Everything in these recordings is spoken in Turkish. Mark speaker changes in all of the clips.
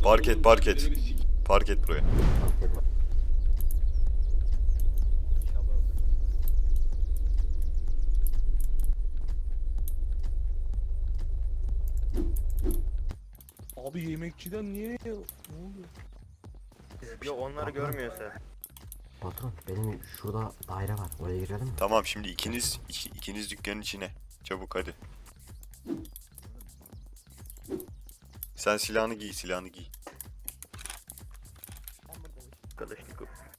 Speaker 1: Park et, park et. Park et buraya.
Speaker 2: Abi yemekçiden niye ne oldu?
Speaker 3: Yok onları görmüyorsa.
Speaker 4: Patron benim şurada daire var. Oraya girelim mi?
Speaker 1: Tamam şimdi ikiniz dükkanın içine. Çabuk hadi. Sen silahını giy, silahını giy.
Speaker 3: Arkadaşlık.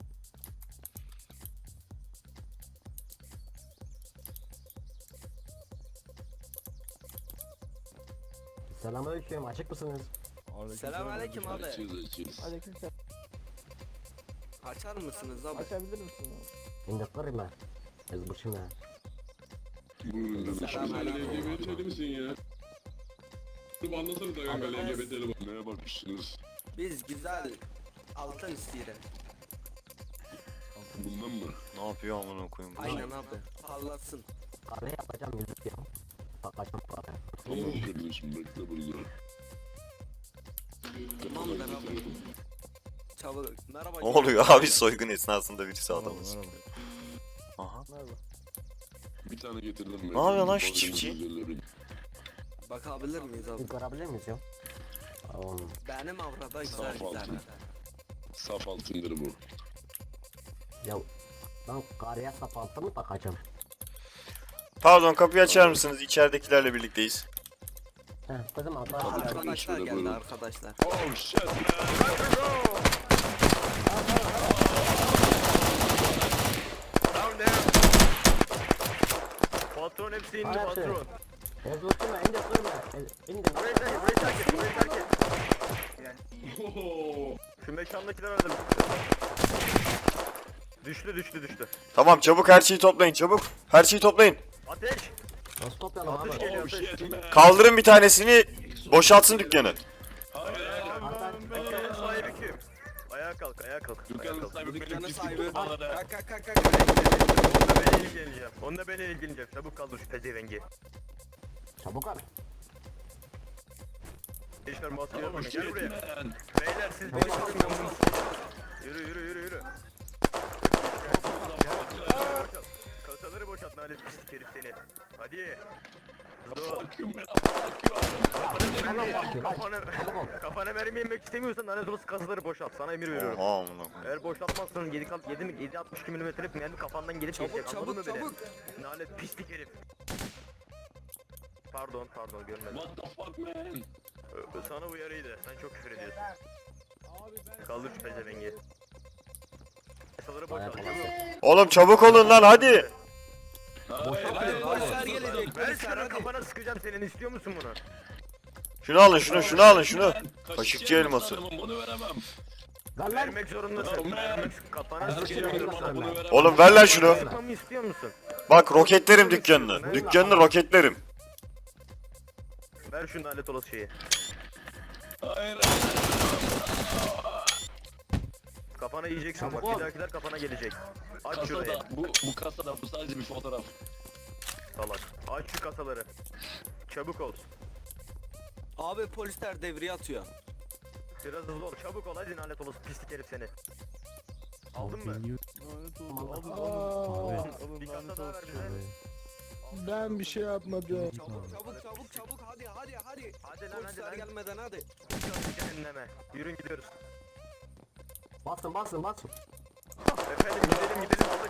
Speaker 4: Selamünaleyküm. Açık mısınız?
Speaker 5: Selamünaleyküm abi.
Speaker 2: Aleykümselam.
Speaker 5: Açar mısınız abi?
Speaker 2: Açabilir misin abi?
Speaker 4: İndirtlerim ben. Ezbırçım ya.
Speaker 6: Buyurun kardeşim. Sen
Speaker 5: Selamünaleyküm.
Speaker 6: LGBT'li misin ya? Dur anlasana da kanka LGBT'li bak. Neye bakmışsınız?
Speaker 5: Biz güzel altın isteyelim.
Speaker 6: Bundan mı?
Speaker 1: Ne yapıyor amına koyayım bu?
Speaker 5: Aynen abi. Parlasın.
Speaker 4: Kahve yapacağım yüzük ya. Bakacağım kahve.
Speaker 6: Tamam kardeşim bekle burada.
Speaker 5: Tamamdır abi. Çabuk. Merhaba.
Speaker 1: Ne oluyor abi, soygun esnasında birisi adamı sıkıyor. Aha.
Speaker 6: Bir tane getirdim ben.
Speaker 1: Ne yapıyor lan şu
Speaker 6: Bakın
Speaker 1: çiftçi?
Speaker 6: güzellerim.
Speaker 5: Bakabilir miyiz abi?
Speaker 4: Bir görebilir miyiz ya? Tamam.
Speaker 5: Benim avrada güzel
Speaker 6: Saf
Speaker 5: güzel.
Speaker 6: altın. Saf altındır bu.
Speaker 4: Ya ben karıya sapantı mı takacağım?
Speaker 1: Pardon, kapıyı açar mısınız? İçeridekilerle birlikteyiz.
Speaker 4: Heh kızım arkadaşlar.
Speaker 5: Arkadaşlar
Speaker 6: şöyle
Speaker 5: geldi
Speaker 6: buyurun.
Speaker 5: arkadaşlar.
Speaker 6: Oh shit man.
Speaker 3: Down there. Patron hepsi indi
Speaker 4: Hayır,
Speaker 3: patron.
Speaker 4: Ezbırçım ya. İndir kırma. İndir.
Speaker 3: Burayı terk et, burayı terk et.
Speaker 6: Oh.
Speaker 3: Şu mekandakiler öldü. Düştü.
Speaker 1: Tamam, çabuk her şeyi toplayın, çabuk. Her şeyi toplayın.
Speaker 3: Ateş.
Speaker 4: Nasıl toplayalım abi?
Speaker 3: Atış geliyor
Speaker 6: Oh
Speaker 3: ateş.
Speaker 6: shit man.
Speaker 1: Kaldırın bir tanesini, boşaltsın dükkanı.
Speaker 3: Dükkanın sahibi kim? Ayağa kalk. Ayağa kalk.
Speaker 6: Dükkanın sahibi benim
Speaker 5: Dükkanın
Speaker 6: pislik
Speaker 5: sahibi.
Speaker 6: bana da.
Speaker 5: Kalk.
Speaker 3: Onunla ben ilgileneceğim. Çabuk kaldır şu pezevengi.
Speaker 4: Çabuk abi.
Speaker 3: Gençler maske
Speaker 6: Oh
Speaker 3: yapın. Gel
Speaker 6: shit
Speaker 3: buraya.
Speaker 6: man.
Speaker 3: Beyler siz beni tanımıyorsunuz. Yürü. Kasaları boşalt nalet pislik herif seni. Hadi. Hızlı ol.
Speaker 6: Fuck you man. Fuck you.
Speaker 3: Kafana mermi yemek istemiyorsan lanet olası kasaları boşalt. Sana emir veriyorum.
Speaker 1: Oha amına koyayım.
Speaker 3: Eğer boşaltmazsan 7.62 milimetrelik mermi kafandan gelip geçecek. Anladın mı beni?
Speaker 5: Çabuk.
Speaker 3: Nalet pislik herif. Pardon görmedim.
Speaker 6: What the fuck man?
Speaker 3: Sana uyarıydı. Sen çok küfür ediyorsun. Kaldır şu pezevengi. Kasaları boşalt.
Speaker 1: Oğlum çabuk olun lan, hadi.
Speaker 6: Hayır.
Speaker 5: Polisler gelecek.
Speaker 3: Ver
Speaker 5: Polisler
Speaker 3: şunu,
Speaker 5: hadi.
Speaker 3: kafana sıkacağım senin, istiyor musun bunu?
Speaker 1: Şunu alın, şunu alın, şunu. Kaşıkçı elması.
Speaker 6: Bunu veremem.
Speaker 4: Ver lan.
Speaker 3: Vermek zorundasın. Vermek, kafana sıkacağım.
Speaker 6: Bunu veremem.
Speaker 1: Oğlum ver lan şunu.
Speaker 3: Sıkmamı istiyor musun?
Speaker 1: Bak roketlerim dükkanını. Dükkanını roketlerim.
Speaker 3: Ver şu lanet olası şeyi.
Speaker 6: Hayır.
Speaker 3: Kafana yiyeceksin bak,
Speaker 4: Çabuk ol.
Speaker 3: bir dahakiler kafana gelecek. Aç şurayı,
Speaker 6: Kasada. Bu kasada. Bu sadece bir fotoğraf.
Speaker 3: salak. Aç şu kasaları. Çabuk ol.
Speaker 5: Abi polisler devriye atıyor.
Speaker 3: Biraz hızlı ol, çabuk ol hadi lanet olası pislik herif seni. Aldın mı? Bir kasa daha ver bize.
Speaker 2: Ben bir şey yapmadım.
Speaker 5: Çabuk hadi.
Speaker 3: Hadi lan
Speaker 5: Polisler
Speaker 3: hadi lan.
Speaker 5: gelmeden hadi.
Speaker 3: Cehenneme. Yürün gidiyoruz.
Speaker 4: Basın.
Speaker 3: Efendim gidelim aldık.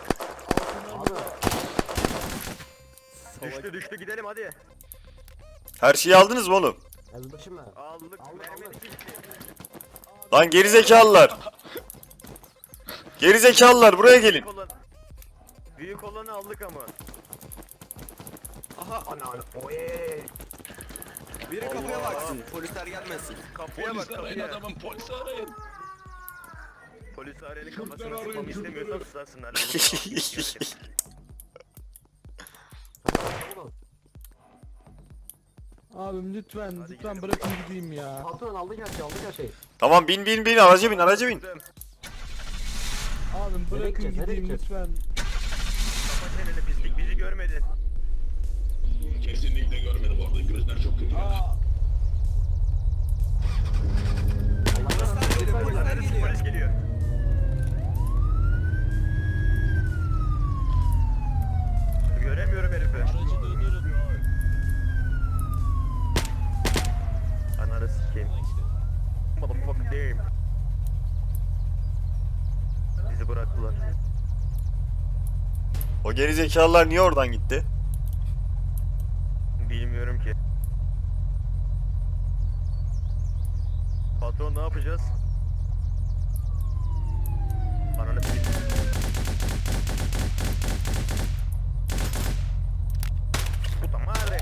Speaker 4: Abi.
Speaker 3: Düştü gidelim hadi.
Speaker 1: Her şeyi aldınız mı oğlum?
Speaker 4: Ezbırçım ya.
Speaker 3: Aldık. Mermi gitti.
Speaker 1: Lan gerizekalılar. Gerizekalılar buraya gelin.
Speaker 3: Büyük olanı aldık ama.
Speaker 5: Aha. Biri kapıya baksın. Polisler gelmesin.
Speaker 3: Kapıya bak
Speaker 6: Polis arayın
Speaker 3: kapıya.
Speaker 6: adamım. Polis arayın.
Speaker 3: Polis arayın kafasını sıkmamı istemiyorsan susarsınlar.
Speaker 2: Abim lütfen
Speaker 3: gidelim.
Speaker 2: bırakın gideyim ya.
Speaker 4: Patron aldık her şeyi.
Speaker 1: Tamam bin araca bin.
Speaker 2: Abim bırakın
Speaker 4: gideceğiz, nereye
Speaker 2: gideyim
Speaker 4: gideceğiz?
Speaker 2: lütfen.
Speaker 3: Kapat çeneni pislik, bizi görmedin.
Speaker 6: Kesinlikle görmedim orada. Gözler çok kötü.
Speaker 2: Aa,
Speaker 4: Allah
Speaker 3: bizi bıraktılar.
Speaker 1: O gerizekalılar niye oradan gitti?
Speaker 3: Bilmiyorum ki. Patron ne yapacağız? Ananı s***. Puta madre.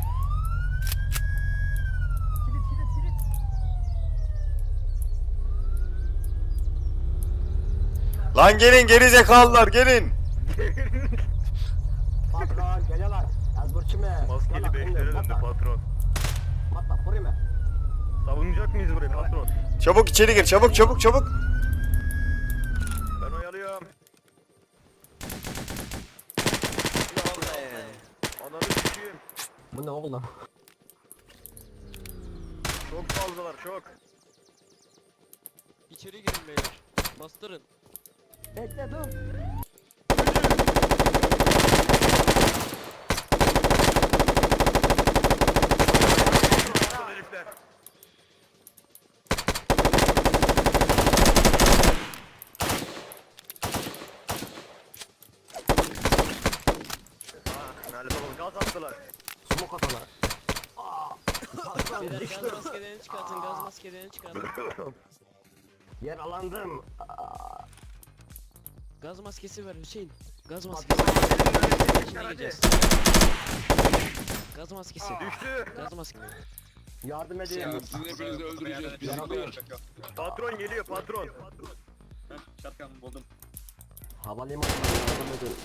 Speaker 1: Lan gelin gerizekalılar gelin.
Speaker 4: Patron geliyorlar. Az burçume.
Speaker 3: Maskeli beşlere döndü patron.
Speaker 4: Matla buraya mı?
Speaker 3: Savunacak mıyız burayı patron?
Speaker 1: Çabuk içeri gir çabuk çabuk çabuk.
Speaker 3: Ben oyalıyorum. Ananı s**eyim.
Speaker 4: Bu ne oğlum?
Speaker 3: Çok fazlalar çok.
Speaker 7: İçeri girin beyler. Bastırın.
Speaker 4: Bekle dur.
Speaker 3: Aptal herifler. Lanet olsun gaz attılar.
Speaker 4: Smoke atalar.
Speaker 7: Beyler gaz maskelerini çıkartın. Gaz maskelerini çıkartın.
Speaker 4: Yaralandım.
Speaker 7: Gaz maskesi ver Hüseyin. Gaz maskesi. İçine gireceğiz. Gaz maskesi.
Speaker 3: Düştü.
Speaker 7: Gaz maskesi.
Speaker 4: Yardım edin.
Speaker 6: Sizin hepinizi öldüreceğiz bizimkiler.
Speaker 3: Patron geliyor patron.
Speaker 4: Havalimanına yardım edin.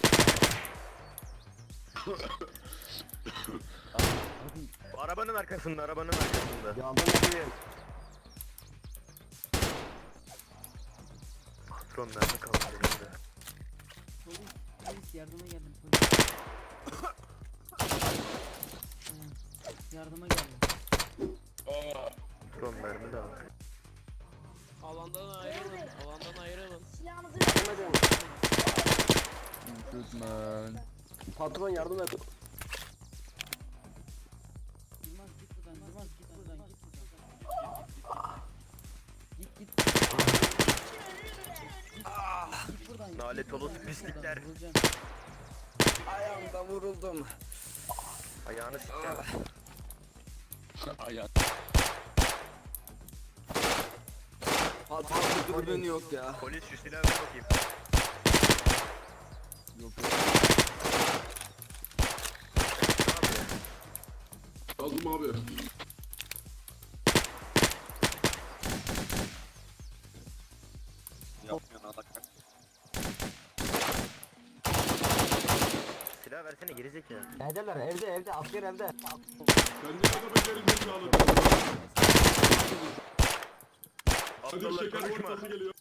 Speaker 3: Arabanın arkasında arabanın arkasında.
Speaker 4: Yardım edin.
Speaker 3: Patron nerede kaldı elimde?
Speaker 8: Polis yardıma geldim polis. Yardıma geldim.
Speaker 3: Patron mermi de aldı.
Speaker 7: Alandan ayrılın. Alandan ayrılın.
Speaker 4: Yardım edin. Patron yardım et.
Speaker 8: Yılmaz git buradan. Yılmaz git buradan. Git buradan. Git buradan.
Speaker 3: Nalet olası
Speaker 8: Git
Speaker 3: pislikler.
Speaker 8: buradan, vuracağım.
Speaker 5: Ayağımda vuruldum.
Speaker 3: Ayağını s**eceğim.
Speaker 6: Ayağım.
Speaker 5: Patron dürbün yok ya.
Speaker 3: Polis şu silahı ver bakayım.
Speaker 6: Aldım abi.
Speaker 3: Silah versene gerizekalı.
Speaker 4: Evdeler evde asker evde.
Speaker 6: Ben ne kadar beceriksiz kaldım. Kadir
Speaker 3: Aptallar
Speaker 6: şeker
Speaker 3: konuşma.
Speaker 6: ortası geliyor.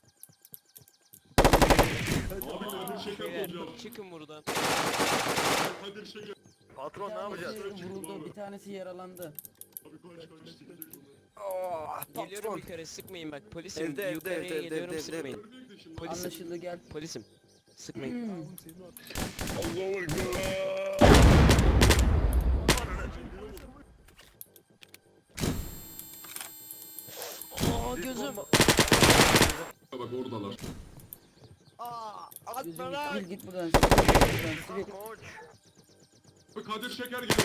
Speaker 6: Abi Kadir şeker
Speaker 7: Beyler
Speaker 6: bulacağım.
Speaker 7: çıkın buradan.
Speaker 6: Kadir şeker.
Speaker 3: Patron ne yapacağız?
Speaker 8: Vuruldu. Bir tanesi yaralandı.
Speaker 6: Abi kaç kaç.
Speaker 7: Geliyorum
Speaker 5: Patron.
Speaker 7: yukarı sıkmayın bak. Polisim
Speaker 5: Evde,
Speaker 7: yukarıya
Speaker 5: evde,
Speaker 7: geliyorum
Speaker 5: evde.
Speaker 7: sıkmayın. Polisim.
Speaker 8: Anlaşıldı gel.
Speaker 7: Polisim. Sıkmayın.
Speaker 6: Allahu Ekber.
Speaker 7: Aa gözüm.
Speaker 6: Bak oradalar.
Speaker 8: Gözüm sivil git buradan. Sivil.
Speaker 3: Koç.
Speaker 6: Abi Kadir şeker geliyor.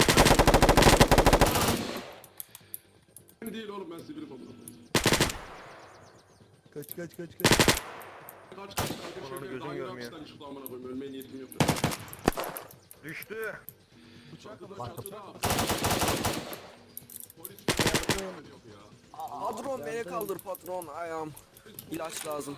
Speaker 6: Ben değil oğlum ben sivilim amına.
Speaker 2: Kaç.
Speaker 6: Kaç Kadir
Speaker 3: Onun
Speaker 6: şeker
Speaker 3: gözüm
Speaker 6: daha
Speaker 3: görmüyor.
Speaker 6: yine hapisten çıktı amına koyayım ölmeye niyetim yok.
Speaker 3: Düştü.
Speaker 5: Patron beni kaldır patron ayağım. İlaç lazım.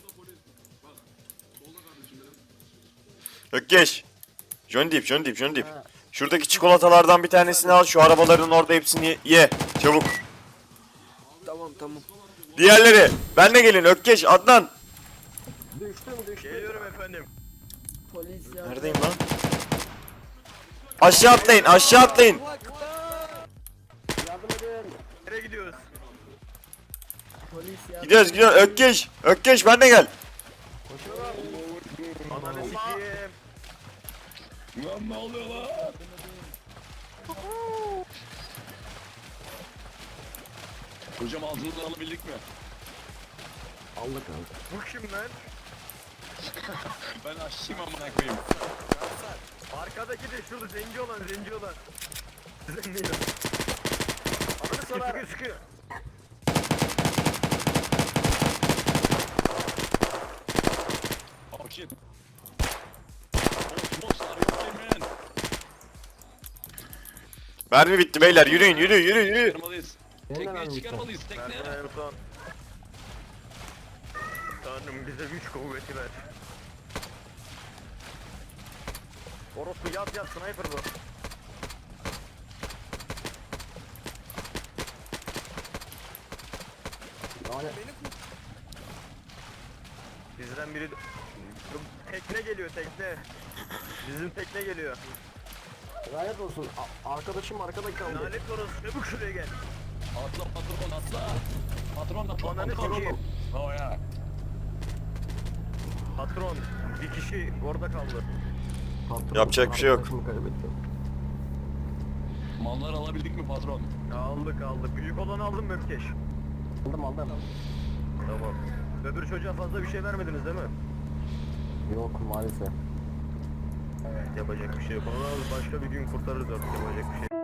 Speaker 1: Ökkeş. John Deep. Şuradaki çikolatalardan bir tanesini al şu arabaların orada hepsini ye. Çabuk.
Speaker 5: Tamam.
Speaker 1: Diğerleri. Benle gelin Ökkeş Adnan.
Speaker 4: Düştüm.
Speaker 3: Geliyorum efendim.
Speaker 8: Polis yardım.
Speaker 1: Neredeyim lan? Aşağı atlayın.
Speaker 4: Yardım edin.
Speaker 3: Nereye gidiyoruz?
Speaker 8: Polis yardım.
Speaker 1: Gidiyoruz. Ökkeş ben de gel.
Speaker 3: Ananı sikeyim.
Speaker 6: Lan ne oluyor lan? Hocam altını alabildik mi?
Speaker 4: Aldık abi.
Speaker 3: Bu kim lan?
Speaker 2: Ben aşçıyım amına koyayım.
Speaker 3: Arkadaki de şurada zenci olan. Zenci. Sıkıyor.
Speaker 2: Oh shit. Boss, are you okay man?
Speaker 1: Mermi bitti beyler, yürüyün.
Speaker 2: Çıkarmalıyız.
Speaker 4: Benim de
Speaker 2: Tekneyi
Speaker 4: mermi bitti.
Speaker 2: çıkarmalıyız tekneye.
Speaker 3: Merdiven Erdoğan. Tanrım bize güç kuvveti ver. Orospu yat sniper bu.
Speaker 4: Yani
Speaker 3: Bizden biri... Tekne geliyor tekne. Bizim tekne geliyor.
Speaker 4: lanet olsun. Arkadaşım arkada kaldı.
Speaker 3: Lanet orası çabuk şuraya gel.
Speaker 2: Atla patron atla. Patron atla
Speaker 3: Ananı
Speaker 2: patron.
Speaker 3: sikeyim.
Speaker 2: Oh ya.
Speaker 3: Patron bir kişi orada kaldı.
Speaker 4: Patron,
Speaker 1: Yapacak bir şey yok.
Speaker 4: arkadaşımı kaybettim.
Speaker 2: Mallar alabildik mi patron?
Speaker 3: Aldık. Büyük olanı aldım mı Ökkeş?
Speaker 4: Aldım.
Speaker 3: Tamam. Öbür çocuğa fazla bir şey vermediniz değil mi?
Speaker 4: Yok maalesef.
Speaker 3: Yapacak bir şey yok. Onu başka bir gün kurtarırız artık, yapacak bir şey.